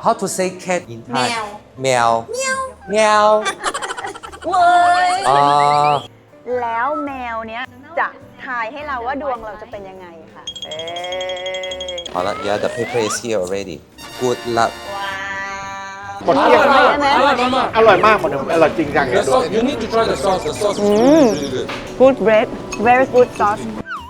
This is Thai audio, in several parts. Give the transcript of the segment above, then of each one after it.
How to say cat in Thai? แมว แมวเว้ยแล้วแมวเนี้ยจะทายให้เราว่าดวงเราจะเป็นยังไงค่ะ好了 Yeah the paper is here already Good luck หมดเกลี้ยงอร่อยมากหมดเลยอร่อยจริงจังเลย You need to try the sauce. The sauce is really good. good bread very good sauce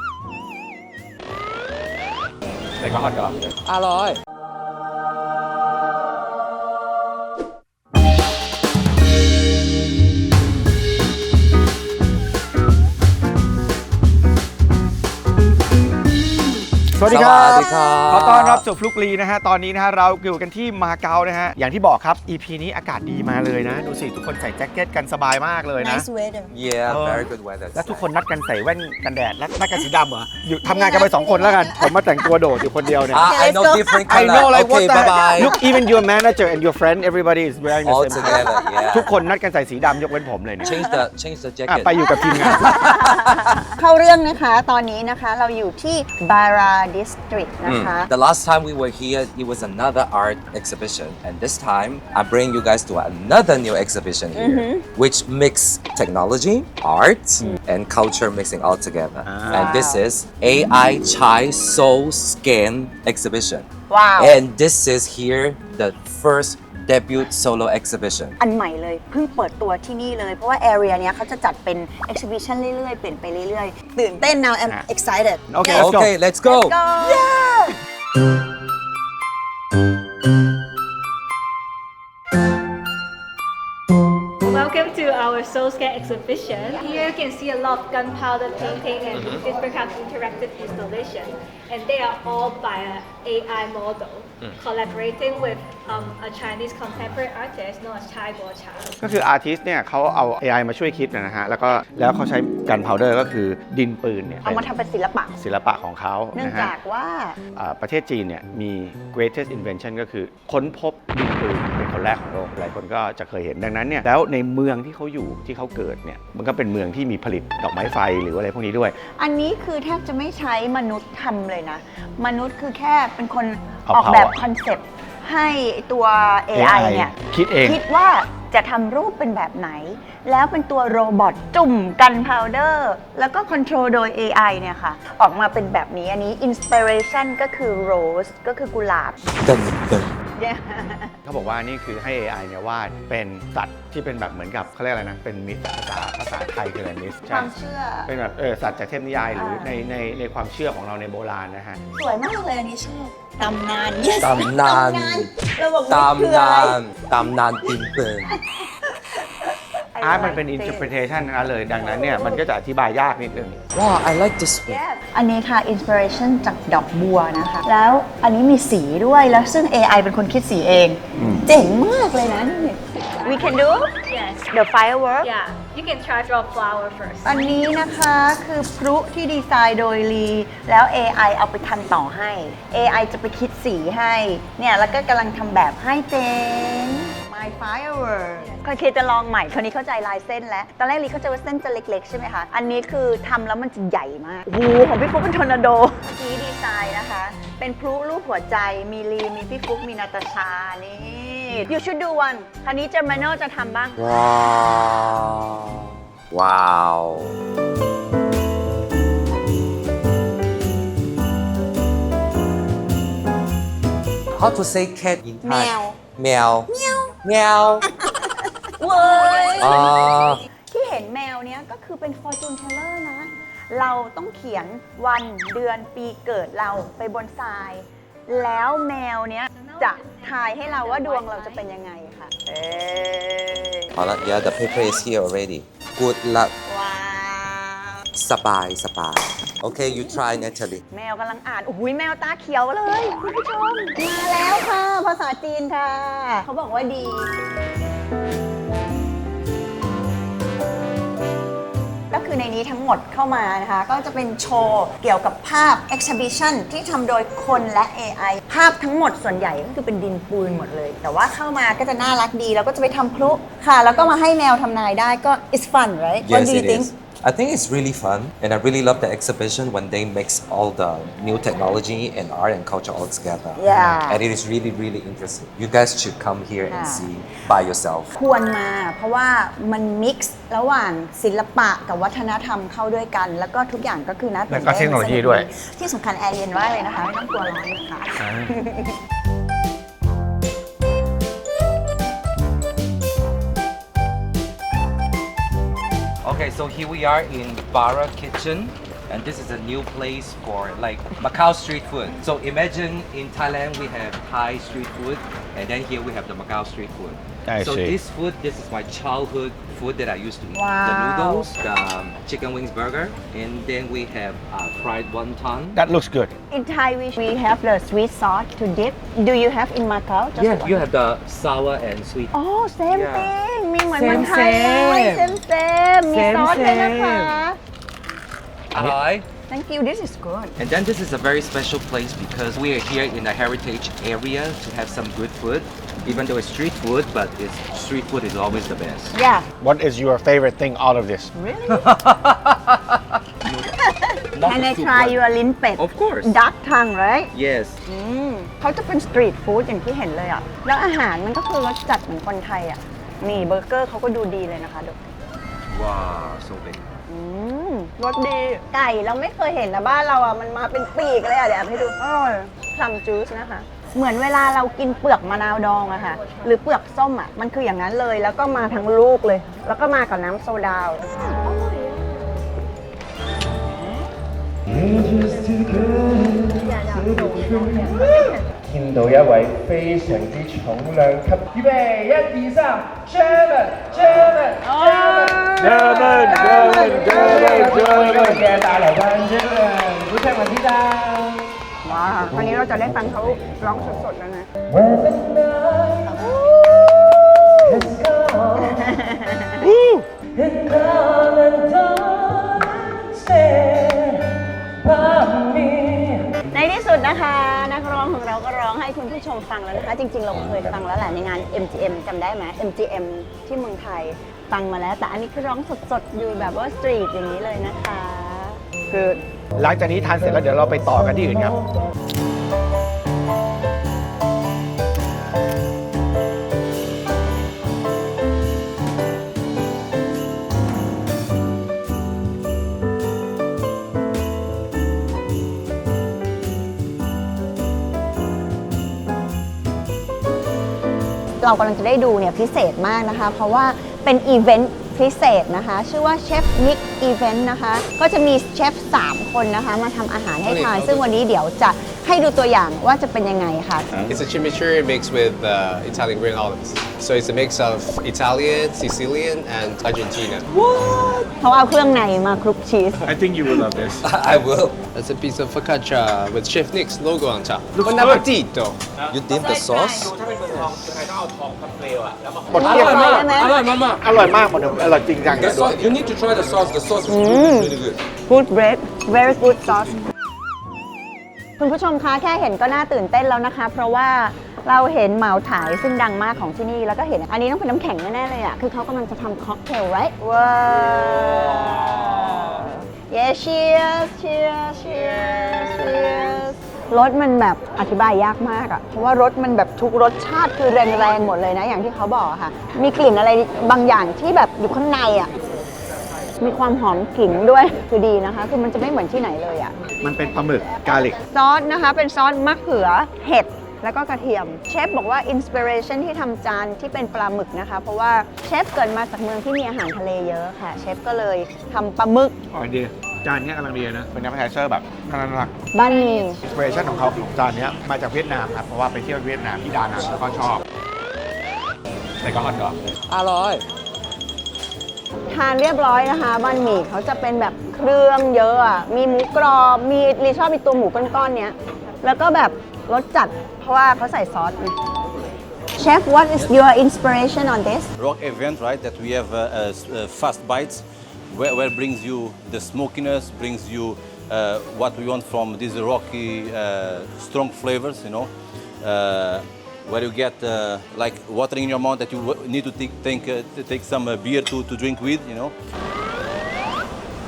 แต่ก็ฮอตดอกอร่อยสวัสดีครับสวัสดีครับขอต้อนรับสู่ฟลุกลีนะฮะตอนนี้นะฮะเราอยู่กันที่มาเก๊านะฮะอย่างที่บอกครับ EP นี้อากาศดีมาเลยนะดูสิทุกคนใส่แจ็คเก็ตกันสบายมากเลยนะ nice weather Yeah very good weather แล้วทุกคนนัดกันใส่แว่นกันแดดและนัดกันสีดำเหรออยู่ทำงานกันไป2 คนแล้วกันผมมาแต่งตัวโดดอยู่คนเดียวเนี่ย I know different I color know like what Okay the bye bye look even your manager and your friend everybody is wearing the All same together yeah ทุกคนนัดกันใส่สีดำยกเว้นผมเลยเนี่ย Change the อ่ะ jacket ไปอยู่กับทีมงานเข้าเรื่องนะคะตอนนี้นะคะเราอยู่ที่ Bara District นะคะ The last time we were here, it was another art exhibition, and this time I bring you guys to another new exhibition here, which mix technology, art, and culture mixing all together. And this is AI Chai Soul Scan exhibition. Wow. And this is here the first debut solo exhibition. อันใหม่เลยเพิ่งเปิดตัวที่นี่เลยเพราะว่า area เนี้ยเขาจะจัดเป็น exhibition เรื่อยๆเปลี่ยนไปเรื่อยๆตื่นเต้น now I'm excited Okay, let's go. Okay, let's go. go Welcome to our Soul Scare exhibition. Here you can see a lot of gunpowder painting and different kinds of interactive installation. And they are all by an AI model, collaborating with a Chinese contemporary artist known as Chai Guocha. ก็คืออาร์ติสต์เนี่ยเขาเอา AI มาช่วยคิดนะฮะแล้วเขาใช้กันพาวเดอร์ก็คือดินปืนเนี่ยเอามาทำเป็นศิลปะศิลปะของเขาเนื่องนะฮะจากว่าประเทศจีนเนี่ยมี greatest invention ก็คือค้นพบดินปืนเป็นคนแรกของโลกหลายคนก็จะเคยเห็นดังนั้นเนี่ยแล้วในเมืองที่เขาอยู่ที่เขาเกิดเนี่ยมันก็เป็นเมืองที่มีผลิตดอกไม้ไฟหรืออะไรพวกนี้ด้วยอันนี้คือแทบจะไม่ใช้มนุษย์ทำเลยนะ มนุษย์คือแค่เป็นคนเอาออกแบบ power คอนเซปต์ให้ตัว AI เนี่ยคิดเองคิดว่าจะทำรูปเป็นแบบไหน แล้วเป็นตัวโรบอทจุ่มกันพาวเดอร์แล้วก็คอนโทรลโดย AI เนี่ยค่ะ ออกมาเป็นแบบนี้อันนี้อินสปิเรชันก็คือโรสก็คือกุหลาบ Dun, dun. เขาบอกว่านี่คือให้ AI เนี่ยวาดเป็นสัตว์ที่เป็นแบบเหมือนกับเขาเรียกอะไรนะเป็นมิสภาษาไทยคืออะไรมิสความเชื่อเป็นแบบสัตว์จากเทพนิยายหรือในความเชื่อของเราในโบราณนะฮะสวยมากเลยอันนี้ชอบตำนานตำนานเราบอกว่าคืออะไรตำนานดินปืนอาร์ตมันเป็น interpretation นะเลยดังนั้นเนี่ยมันก็จะอธิบายยากนิดนึง Wow I like this one อันนี้ค่ะอินสปิเรชันจากดอกบัวนะคะ แล้วอันนี้มีสีด้วยแล้วซึ่ง AI เป็นคนคิดสีเอง เจ๋งมากเลยนะนี่ We can do Yes. the firework Yeah. You can try draw flower first. อันนี้นะคะคือพลุที่ดีไซน์โดยลีแล้ว AI เอาไปทำต่อให้ AI จะไปคิดสีให้เนี่ยแล้วก็กำลังทำแบบให้เจน My firework เคยจะลองใหม่คราวนี้เข้าใจลายเส้นแล้ว ตอนแรกลีเข้าใจว่าเส้นจะเล็กๆ ใช่ไหมคะ อันนี้คือทำแล้วมันจะใหญ่มาก โอ้โหของพี่ฟุ๊กเป็นทอร์นาโดที่ดีไซน์นะคะ เป็นพลุรูปหัวใจมีลีมีพี่ฟุ๊กมีนาตาชานี่ You should do one คราวนี้เจอร์มาโนจะทำบ้าง Wow How to say cat in Thai แมวแมว แมวเว้ยอ่าที่เห็นแมวเนี้ยก็คือเป็น fortune teller นะ เราต้องเขียนวันเดือนปีเกิดเราไปบนทราย แล้วแมวเนี้ยจะทายให้เราว่าดวงเราจะเป็นยังไงค่ะ好了 Yeah the paper is here already Good luck ว้าวสบาย Okay you try Natalie แมวกำลังอ่าน โอ้โหแมวตาเขียวเลยคุณผู้ชม มาแล้วค่ะ ภาษาจีนค่ะ เขาบอกว่าดี ก็คือในนี้ทั้งหมดเข้ามานะคะ ก็จะเป็นโชว์เกี่ยวกับภาพ exhibition ที่ทำโดยคนและ AI ภาพทั้งหมดส่วนใหญ่ก็คือเป็นดินปืนหมดเลย แต่ว่าเข้ามาก็จะน่ารักดี แล้วก็จะไปทำพลุค่ะ แล้วก็มาให้แมวทำนายได้ก็ it's fun right What Yes do you it think is I think it's really fun, and I really love the exhibition when they mix all the new technology and art and culture all together. Yeah. And it is really, really interesting. You guys should come here and see by yourself. ควรมาเพราะว่ามันมิกซ์ระหว่างศิลปะกับวัฒนธรรมเข้าด้วยกัน แล้วก็ทุกอย่างก็คือน่าตื่นแล้วก็เต้นเทคโนโลยีด้วยที่สำคัญแอร์เย็นมากเลยนะคะ ไม่ต้องกลัวร้อนนะคะ Okay, so here we are in Bara Kitchen, and this is a new place for like Macau street food. So imagine in Thailand we have Thai street food, and then here we have the Macau street food. I So see. this is my childhood food that I used to eat. Wow. The noodles, the chicken wings burger, and then we have fried wonton. That looks good In Thai we have the sweet sauce to dip. Do you have in Macau? Just Yeah, one? you have the sour and sweet. อ๋อ same Yeah. thing มีเหมือนเมืองไทย Same, เลย same. same มี Same, ซอสเลยนะคะ Hi. Thank you this is good And then this is a very special place because we are here in the heritage area to have some good food. Even though it's street food, but street food is always the best. yeah What is your favorite thing out of this really Not Can the I soup try one. your ลิ้นเป็ด Of course. duck tongue right Yes. เขาจะเป็นสตรีทฟู้ดอย่างที่เห็นเลยอ่ะ แล้วอาหารมันก็คือรสจัดเหมือนคนไทยอ่ะ นี่เบอร์เกอร์เขาก็ดูดีเลยนะคะดู Wow, so big. รสดี ไก่เราไม่เคยเห็นนะบ้านเราอ่ะ มันมาเป็นปีกเลยอ่ะ เดี๋ยวให้ดูอร่อยพลัมจูสนะคะ เหมือนเวลาเรากินเปลือกมะนาวดองอะค่ะ หรือเปลือกส้มอะมันคืออย่างนั้นเลย แล้วก็มาทั้งลูกเลย แล้วก็มากับน้ำโซดา見到一位非常之重量級，預備1、2、3 German，嘅大流班 German，鼓掌為之讚。 ว้าววันนี้เราจะได้ฟังเขาร้องสดๆแล้วนะ When the night has gone and come and don't stay by me ในที่สุดนะคะ นักร้องของเราก็ร้องให้คุณผู้ชมฟังแล้วนะคะ จริงๆ เราเคยฟังแล้วแหละในงาน MGM จำได้ไหม MGM ที่เมืองไทยฟังมาแล้ว แต่อันนี้คือร้องสดๆ อยู่แบบว่าสตรีทอย่างนี้เลยนะคะคือหลังจากนี้ทานเสร็จแล้วเดี๋ยวเราไปต่อกันที่อื่นครับเรากำลังจะได้ดูเนี่ยพิเศษมากนะคะ เพราะว่าเป็นอีเวนต์พิเศษนะคะ ชื่อว่าเชฟมิกอีเวนต์นะคะ ก็จะมีเชฟ3 คนนะคะ มาทำอาหารให้ทาน ซึ่งวันนี้เดี๋ยวจะให้ดูตัวอย่างว่าจะเป็นยังไงค่ะ It's a chimichurri mixed with Italian green olives. So it's a mix of Italian, Sicilian, and Argentina. เขาเอาเครื่องในมาคลุกชีส I think you will love this I will. That's a piece of focaccia with Chef Nick's logo on top. Looks Buon good. appetito! You dip the sauce? หมดเกลี้ยงมากได้ไหมอร่อยมากอร่อยจริงจัง The sauce, you need to try the sauce. The sauce is really, really good. good bread very good sauce คุณผู้ชมคะแค่เห็นก็น่าตื่นเต้นแล้วนะคะ เพราะว่าเราเห็นเหมาถ่ายซึ่งดังมากของที่นี่แล้วก็เห็นอันนี้ต้องเป็นน้ำแข็งแน่ๆเลยอ่ะ คือเขากำลังจะทำค็อกเทล right ว้าว yeah cheers cheers cheers cheers รสมันแบบอธิบายยากมากอ่ะ เพราะว่ารสมันแบบทุกรสชาติคือแรงๆหมดเลยนะ อย่างที่เขาบอกอะค่ะ มีกลิ่นอะไรบางอย่างที่แบบอยู่ข้างในอ่ะ มีความหอมขิงด้วยคือดีนะคะ คือมันจะไม่เหมือนที่ไหนเลยอ่ะมันเป็นปลาหมึกกาลิกซอสนะคะ เป็นซอสมะเขือเห็ดแล้วก็กระเทียม เชฟบอกว่าอินสปิเรชันที่ทำจานที่เป็นปลาหมึกนะคะ เพราะว่าเชฟเกิดมาจากเมืองที่มีอาหารทะเลเยอะค่ะ เชฟก็เลยทำปลาหมึกอร่อยดีจานนี้กำลังดีนะ เป็นน้ำแพเซอร์แบบน่ารักบ้านมีอินสปิเรชันของเขาของจานนี้มาจากเวียดนามครับ เพราะว่าไปเที่ยวเวียดนามที่ดานังแล้วก็ชอบใส่ก็ฮอตดอก Aloy. ทานเรียบร้อยนะคะบ้านหมี่เขาจะเป็นแบบเครื่องเยอะอะมีหมูกรอบมีรีชอบมีตัวหมูก้อนๆเนี้ยแล้วก็แบบรสจัดเพราะว่าเขาใส่ซอสไง Chef what is your inspiration on this rock event, right? That we have fast bites, where brings you the smokiness, brings you what we want from these rocky, strong flavors, you know. Where you get like watering in your mouth that you need to take some beer to drink with, you know.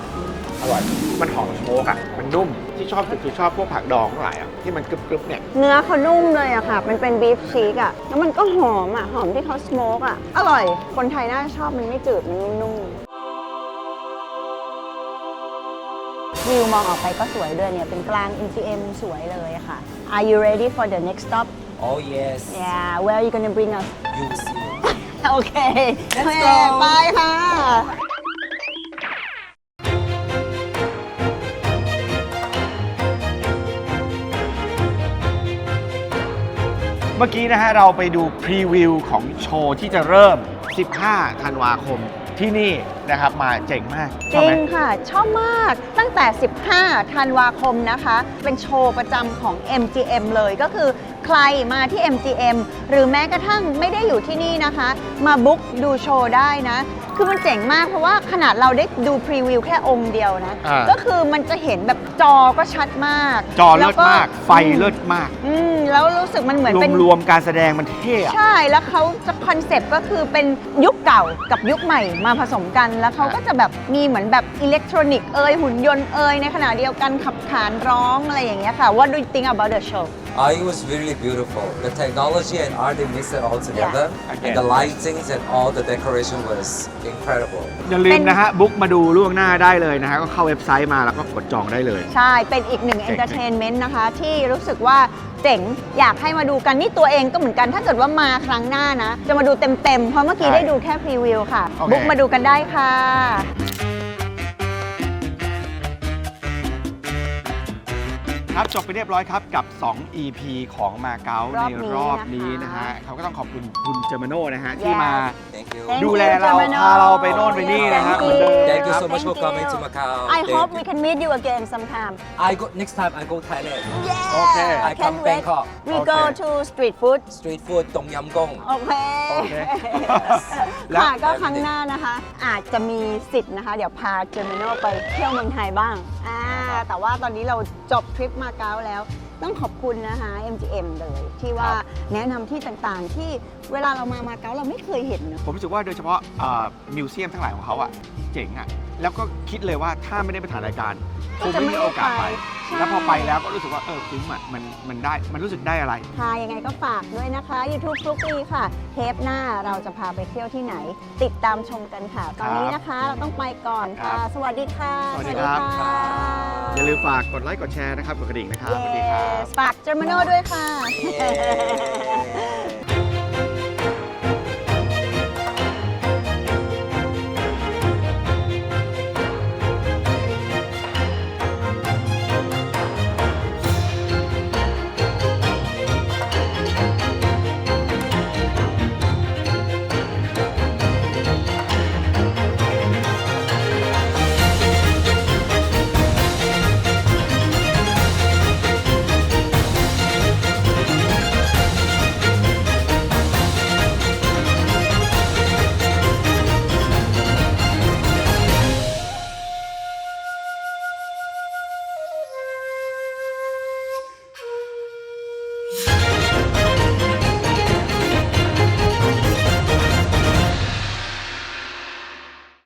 อร่อย มันหอมสโมกอ่ะ มันนุ่ม ที่ชอบสุดคือชอบพวกผักดองทั้งหลายอ่ะ ที่มันกรึบๆเนี่ยเนื้อเขานุ่มเลยอะค่ะ มันเป็นบีฟชีกอะแล้วมันก็หอมอะหอมที่เขาสโมกอะอร่อย คนไทยน่าจะชอบมันไม่จืด มันนุ่มๆวิวมองออกไปก็สวยด้วยเนี่ย เป็นกลาง MGM สวยเลยอะค่ะ Are you ready for the next stop? Oh yes. Yeah, where are you gonna bring us? You see. โอเค Let's go ไปค่ะเมื่อกี้นะฮะเราไปดูพรีวิวของโชว์ที่จะเริ่ม 15 ธันวาคมที่นี่นะครับ มาเจ๋งมากจชอบริไหมงค่ะ ชอบมากตั้งแต่ 15 ธันวาคมนะคะ เป็นโชว์ประจำของ MGM เลยก็คือใครมาที่ MGM หรือแม้กระทั่งไม่ได้อยู่ที่นี่นะคะ มาบุ๊กดูโชว์ได้นะ คือมันเจ๋งมากเพราะว่าขนาดเราได้ดูพรีวิวแค่องค์เดียวนะ ก็คือมันจะเห็นแบบจอก็ชัดมากจอเลิศมากแวไฟเลิศมากแล้วรู้สึกมันเหมือนเป็นรวมๆการแสดงมันเท่อะใช่ แล้วเขาจะคอนเซปต์ก็คือเป็นยุคเก่ากับยุคใหม่มาผสมกัน แล้วเขาก็จะแบบมีเหมือนแบบอิเล็กทรอนิกส์หุ่นยนต์ในขณะเดียวกันขับขานร้องอะไรอย่างเงี้ยค่ะ What do you think about the show? It was really beautiful. The technology and art, they mixed it all together. Okay. And the lightings and all the decoration was incredible. อย่าลืมนะฮะ บุ๊กมาดูล่วงหน้าได้เลยนะฮะ ก็เข้าเว็บไซต์มาแล้วก็กดจองได้เลยใช่ เป็นอีกหนึ่งเอนเตอร์เทนเมนต์นะคะ ที่รู้สึกว่าเจ๋งอยากให้มาดูกันนี่ตัวเองก็เหมือนกันถ้าเกิดว่ามาครั้งหน้านะ จะมาดูเต็มๆ เพราะเมื่อกี้ใช่ได้ดูแค่พรีวิวค่ะโอเคบุ๊กมาดูกันได้ค่ะครับจบไปเรียบร้อยครับกับ 2 EP ของมาเก๊าในรอบนี้นะฮะ เขาก็ต้องขอบคุณคุณเจอร์มาโน่นะฮะ ที่มา Thank you. Thank ดูแล you, เรา Germano. พาเราไปโน่นไปนี่นะฮะ Thank เหมือนเดิม Thank you so Thank much for you. coming to Macau. I Thank hope you. we can meet you again sometime. Next time I go Thailand. Yeah, Okay. I can't come wait. Bangkok. We go Okay. to street food. Street food, Tom Yam Gong. โอเคโอเค แล้วค่ะก็ครั้งหน้านะคะ อาจจะมีสิทธิ์นะคะ เดี๋ยวพาเจอร์มิโนไปเที่ยวเมืองไทยบ้างแต่ว่าตอนนี้เราจบทริปมาเก๊าแล้ว ต้องขอบคุณนะคะ MGM เลยที่ว่าแนะนำที่ต่างๆ ที่เวลาเรามาเก๊าเราไม่เคยเห็นเนอะผมรู้สึกว่าโดยเฉพาะมิวเซียมทั้งหลายของเขาอะเจ๋งอะแล้วก็คิดเลยว่าถ้าไม่ได้ไปถ่ายรายการคงไม่มีโอกาสไปใช่แล้วพอไปแล้วก็รู้สึกว่าคุ้มอะมันรู้สึกได้อะไรค่ะยังไงก็ฝากด้วยนะคะ YouTube ฟลุกลีค่ะ เทปหน้าเราจะพาไปเที่ยวที่ไหน ติดตามชมกันค่ะ ตอนนี้นะคะเราต้องไปก่อนค่ะครับสวัสดีค่ะสวัสดีครับค่ะอย่าลืมฝากกดไลค์กดแชร์นะครับกดกระดิ่งนะครับสวัสดีครับฝากเจอร์มาโน่ด้วยค่ะ Yeah.